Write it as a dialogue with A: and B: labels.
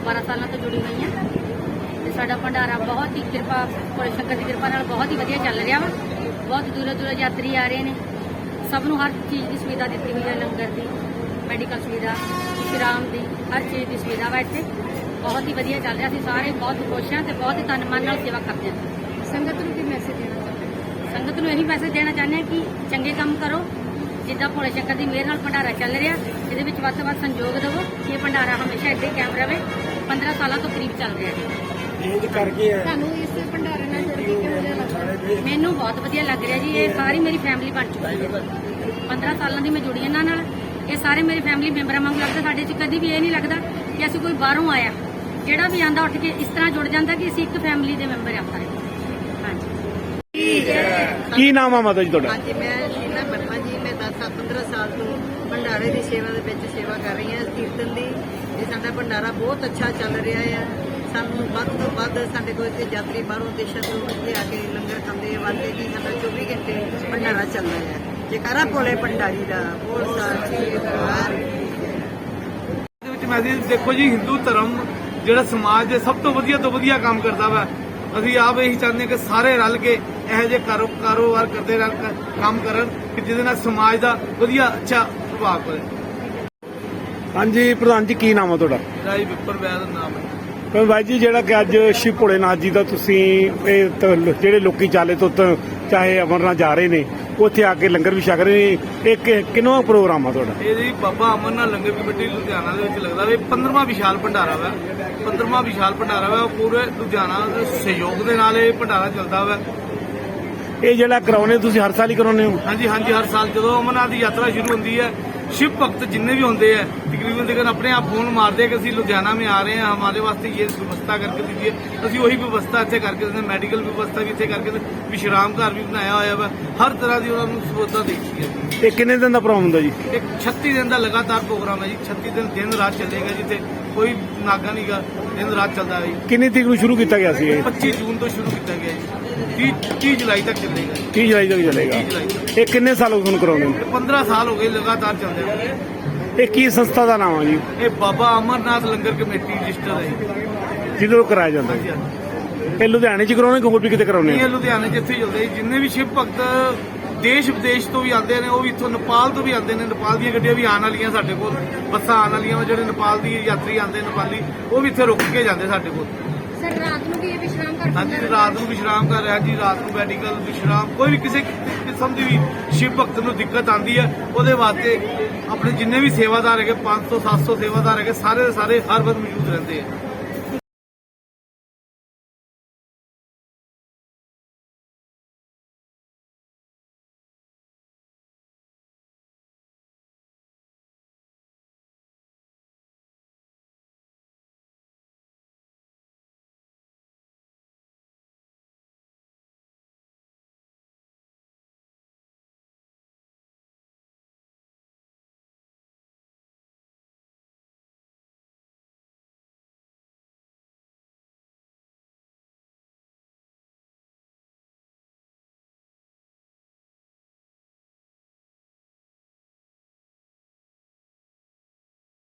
A: 12 ਸਾਲਾਂ ਤੋਂ जुड़ी हुई हाँ ਤੇ ਸਾਡਾ ਭੰਡਾਰਾ बहुत ही कृपा ਭੋਲੇ ਸ਼ੰਕਰ ਦੀ ਕਿਰਪਾ ਨਾਲ बहुत ही ਵਧੀਆ ਚੱਲ ਰਿਹਾ ਵਾ। बहुत दूरों दूरों यात्री आ रहे हैं। सब ਨੂੰ हर चीज़ की सुविधा दी हुई है, लंगर की, मैडिकल सुविधा, विश्राम की, हर चीज़ की सुविधा वा इत्थे बहुत ही ਵਧੀਆ ਚੱਲ ਰਿਹਾ। ਅਸੀਂ ਸਾਰੇ बहुत खुश हैं ਤੇ बहुत ही तन मन ਨਾਲ सेवा करते हैं। संगत ਨੂੰ ਕੀ मैसेज देना चाहते हैं? संगत ਨੂੰ ਇਹੀ ਮੈਸੇਜ ਦੇਣਾ ਚਾਹੁੰਦੇ ਹਾਂ ਕਿ ਚੰਗੇ ਕੰਮ ਕਰੋ। ਜਿੱਦਾਂ ਭੋਲੇ ਸ਼ੰਕਰ ਦੀ ਮਿਹਰ ਨਾਲ ਭੰਡਾਰਾ ਚੱਲ ਰਿਹਾ, ਇਹਦੇ ਵਿੱਚ ਵੱਧ ਤੋਂ ਵੱਧ ਸੰਯੋਗ ਦਿਵੋ ਕਿ ਇਹ ਭੰਡਾਰਾ ਹਮੇਸ਼ਾ ਇੱਦਾਂ ਹੀ ਕਾਇਮ ਰਹੇ। 15 ਸਾਲਾਂ ਤੋਂ ਕਰੀਬ ਚੱਲ ਰਿਹਾ ਹੈ। ਤੁਹਾਨੂੰ ਇਸ ਭੰਡਾਰੇ ਨਾਲ ਜੁੜ ਕੇ ਕਿਹੋ ਜਿਹਾ ਲੱਗਦਾ? ਮੈਨੂੰ ਬਹੁਤ ਵਧੀਆ ਲੱਗ ਰਿਹਾ ਜੀ। ਇਹ ਸਾਰੀ ਮੇਰੀ ਫੈਮਿਲੀ ਬਣ ਚੁੱਕੀ ਹੈ। 15 ਸਾਲਾਂ ਦੀ ਮੈਂ ਜੁੜੀ ਇਹਨਾਂ ਨਾਲ। ਇਹ ਸਾਰੇ ਮੇਰੀ ਫੈਮਿਲੀ ਮੈਂਬਰਾਂ ਵਾਂਗ ਲੱਗਦਾ। ਸਾਡੇ 'ਚ ਕਦੀ ਵੀ ਇਹ ਨਹੀਂ ਲੱਗਦਾ ਕਿ ਅਸੀਂ ਕੋਈ ਬਾਹਰੋਂ ਆਇਆ। ਜਿਹੜਾ ਵੀ ਆਂਦਾ ਉੱਠ ਕੇ ਇਸ ਤਰ੍ਹਾਂ ਜੁੜ ਜਾਂਦਾ ਕਿ ਅਸੀਂ ਇੱਕ ਫੈਮਿਲੀ ਦੇ ਮੈਂਬਰ ਆ ਸਾਰੇ। ਹਾਂਜੀ।
B: ਕੀ ਨਾਮ ਆ ਮਾਤਾ ਜੀ ਤੁਹਾਡਾ?
C: ਹਾਂਜੀ, ਮੈਂ ਸ਼ੀਲਾ ਵਰਮਾ ਜੀ। ਮੈਂ 10-15 ਸਾਲ ਤੋਂ ਭੰਡਾਰੇ ਦੀ ਸੇਵਾ ਦੇ ਵਿੱਚ ਸੇਵਾ ਕਰ ਰਹੀ ਹਾਂ, ਕੀਰਤਨ ਦੀ। ਇਹ ਸਾਡਾ ਭੰਡਾਰਾ ਬਹੁਤ ਅੱਛਾ ਚੱਲ ਰਿਹਾ ਆ। ਸਾਨੂੰ ਵੱਧ ਤੋਂ ਵੱਧ ਸਾਡੇ ਕੋਲ ਇੱਥੇ ਯਾਤਰੀ ਬਾਹਰੋਂ ਦੇਸ਼ਾਂ ਤੋਂ ਇੱਥੇ ਆ ਕੇ ਲੰਗਰ ਖਾਂਦੇ ਆ। ਵਾਲੇ ਜੀ ਸਾਡਾ 24 ਘੰਟੇ ਭੰਡਾਰਾ ਚੱਲਦਾ ਹੈ। ਜੈਕਾਰਾ ਭੋਲੇ ਭੰਡਾਰੀ ਦਾ ਬਹੁਤ ਸਾਰਾ
B: ਮੈਸੇਜ ਦੇਖੋ ਜੀ, ਹਿੰਦੂ ਧਰਮ ਜਿਹੜਾ ਸਮਾਜ ਦੇ ਸਭ ਤੋਂ ਵਧੀਆ ਕੰਮ ਕਰਦਾ ਵਾ। ਅਸੀਂ ਆਪ ਇਹੀ ਚਾਹੁੰਦੇ ਕਿ ਸਾਰੇ ਰਲ ਕੇ ਇਹੋ ਜਿਹੇ ਕਾਰੋਬਾਰ ਕਰਦੇ ਰਹਿਣ, ਕੰਮ ਕਰਨ ਕਿ ਜਿਹਦੇ ਨਾਲ ਸਮਾਜ ਦਾ ਵਧੀਆ ਅੱਛਾ ਪ੍ਰਭਾਵ ਪਵੇ। ਹਾਂਜੀ ਪ੍ਰਧਾਨ ਜੀ, ਕੀ ਨਾਮ ਆ ਤੁਹਾਡਾ?
D: ਰਾਈ ਵਿਪਰ ਵੈਦ ਨਾਮ ਹੈ।
B: ਪਰ ਬਾਈ ਜੀ, ਜਿਹੜਾ ਕਿ ਅੱਜ ਸ਼ਿਵ ਭੋਲੇਨਾਥ ਜੀ ਦਾ ਤੁਸੀਂ ਇਹ ਜਿਹੜੇ ਲੋਕੀ ਚਾਲੇ ਤੋਂ ਚਾਹੇ ਅਮਰਨਾਥ ਜਾ ਰਹੇ ਨੇ, ਉੱਥੇ ਆ ਕੇ ਲੰਗਰ ਵੀ ਛਕ ਰਹੇ ਨੇ, ਇਹ ਕਿੰਨਵਾਂ ਪ੍ਰੋਗਰਾਮ ਆ ਤੁਹਾਡਾ?
D: ਇਹ ਜੀ ਬਾਬਾ ਅਮਰਨਾਥ ਲੰਗਰ ਕਮੇਟੀ ਲੁਧਿਆਣਾ ਦੇ ਵਿੱਚ ਲੱਗਦਾ ਵੇ 15ਵਾਂ ਵਿਸ਼ਾਲ ਭੰਡਾਰਾ ਵਾ। 15ਵਾਂ ਵਿਸ਼ਾਲ ਭੰਡਾਰਾ ਵਾ। ਪੂਰੇ ਲੁਧਿਆਣਾ ਦੇ ਸਹਿਯੋਗ ਦੇ ਨਾਲ ਇਹ ਭੰਡਾਰਾ ਚੱਲਦਾ ਵਾ।
B: ਇਹ ਜਿਹੜਾ ਕਰਾਉਨੇ ਤੁਸੀਂ ਹਰ ਸਾਲ ਹੀ ਕਰਾਉਨੇ ਹੋ?
D: ਹਾਂਜੀ, ਹਰ ਸਾਲ ਜਦੋਂ ਅਮਰਨਾਥ ਦੀ ਯਾਤਰਾ ਸ਼ੁਰੂ ਹੁੰਦੀ ਹੈ, शिव भक्त जितने भी होते हैं तकरीबन अपने आप फोन मारते हैं कि असं लुधियाना में आ रहे हैं, हमारे वास्ते ये व्यवस्था करके दीजिए। असं वही व्यवस्था इतने करके देते, मेडिकल व्यवस्था भी इतने करके, विश्राम घर भी बनाया हुआ है। हर तरह की उन्होंने सुविधा दी है।
B: ਇਹ ਕਿੰਨੇ ਦਿਨ ਦਾ ਪ੍ਰੋਗਰਾਮ ਹੁੰਦਾ ਜੀ?
D: एक 36 दिन का लगातार प्रोग्राम है जी। 36 दिन रात चलेगा, जिथे कोई नागा नहीं गा, दिन रात चलता है जी।
B: ਕਿੰਨੀ ਤਰੀਕ ਨੂੰ ਸ਼ੁਰੂ ਕੀਤਾ ਗਿਆ ਸੀ ਇਹ?
D: 25 जून तो शुरू किया गया जी। 30 जुलाई तक चलेगा।
B: 30 ਜੁਲਾਈ ਤੱਕ ਚੱਲੇਗਾ।
D: 30 जुलाई तक।
B: ਇਹ ਕਿੰਨੇ ਸਾਲ ਹੋ ਗਏ ਤੁਹਾਨੂੰ ਕਰਾਉਣੇ?
D: 15 साल हो गए लगातार चल रहे हैं।
B: ਇਹ ਕੀ ਸੰਸਥਾ ਦਾ ਨਾਮ ਆ ਜੀ?
D: ये बाबा अमरनाथ लंगर कमेटी रजिस्टर है जी।
B: ਜਿਹਦੋਂ ਕਰਾਇਆ ਜਾਂਦਾ?
D: हाँ जी, हाँ जी।
B: ਇਹ ਲੁਧਿਆਣੇ ਚ ਕਰਾਉਣੇ ਕਿ ਹੋਰ ਵੀ ਕਿਤੇ ਕਰਾਉਣੇ?
D: ਇਹ ਲੁਧਿਆਣੇ ਜਿੱਥੇ ਚੱਲਦੇ ਜਿੰਨੇ ਵੀ ਸ਼ਿਵ ਭਗਤ ਦੇਸ਼ ਵਿਦੇਸ਼ ਤੋਂ ਵੀ ਆਉਂਦੇ ਨੇ, ਉਹ ਵੀ ਇੱਥੋਂ ਨੇਪਾਲ ਤੋਂ ਵੀ ਆਉਂਦੇ ਨੇ। ਨੇਪਾਲ ਦੀਆਂ ਗੱਡੀਆਂ ਵੀ ਆਉਣ ਵਾਲੀਆਂ ਸਾਡੇ ਕੋਲ, ਬੱਸਾਂ ਆਉਣ ਵਾਲੀਆਂ। ਜਿਹੜੇ ਨੇਪਾਲ ਦੀ ਯਾਤਰੀ ਆਉਂਦੇ ਨੇਪਾਲੀ, ਉਹ ਵੀ ਇੱਥੇ ਰੁਕ ਕੇ ਜਾਂਦੇ ਸਾਡੇ ਕੋਲ।
A: ਸਰ ਰਾਤ ਨੂੰ ਵੀ ਇਹ ਵਿਸ਼ਰਾਮ ਕਰ
D: ਹਾਂਜੀ, ਰਾਤ ਨੂੰ ਵਿਸ਼ਰਾਮ ਕਰ ਰਿਹਾ ਜੀ। ਰਾਤ ਨੂੰ ਮੈਡੀਕਲ ਵਿਸ਼ਰਾਮ, ਕੋਈ ਵੀ ਕਿਸੇ ਕਿਸਮ ਦੀ ਵੀ ਸ਼ਿਵ ਭਗਤ ਨੂੰ ਦਿੱਕਤ ਆਉਂਦੀ ਹੈ, ਉਹਦੇ ਵਾਸਤੇ ਆਪਣੇ ਜਿੰਨੇ ਵੀ ਸੇਵਾਦਾਰ ਹੈਗੇ, 500-700 ਸੇਵਾਦਾਰ ਹੈਗੇ, ਸਾਰੇ ਦੇ ਸਾਰੇ ਹਰ ਵਕਤ ਮੌਜੂਦ ਰਹਿੰਦੇ ਆ।